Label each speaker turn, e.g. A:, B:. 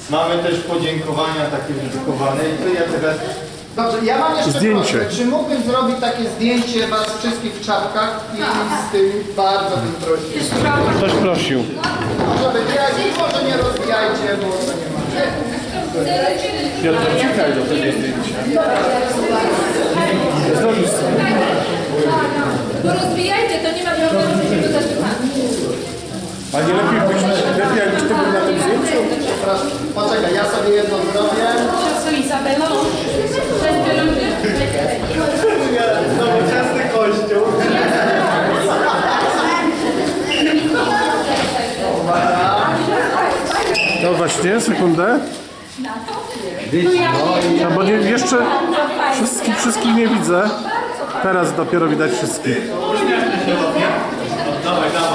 A: Mamy też podziękowania takie dedykowane i to ja teraz...
B: Dobrze, ja mam jeszcze
C: Zdjęcie.
B: prośbę. Czy mógłbym zrobić takie zdjęcie was wszystkich w czapkach i z tym bardzo bym prosił.
C: Ktoś prosił.
B: Może wybierajcie, może nie rozwijajcie, bo to nie ma.
C: Piotr, uciekaj do tego zdjęcia.
D: Bo rozwijajcie, to nie ma problemu, że się go zatrzymamy.
C: A nie lepiej jakbyś ty był na tym zdjęciu?
B: Proszę, poczekaj, ja sobie jedno zrobię.
D: Siostrzo Izabelo, cześć Piorunie.
A: Nowoczesny kościół.
C: No właśnie, sekundę. No bo nie, jeszcze wszystkich nie widzę. Teraz dopiero widać wszystkich.
A: Dawaj, dawaj.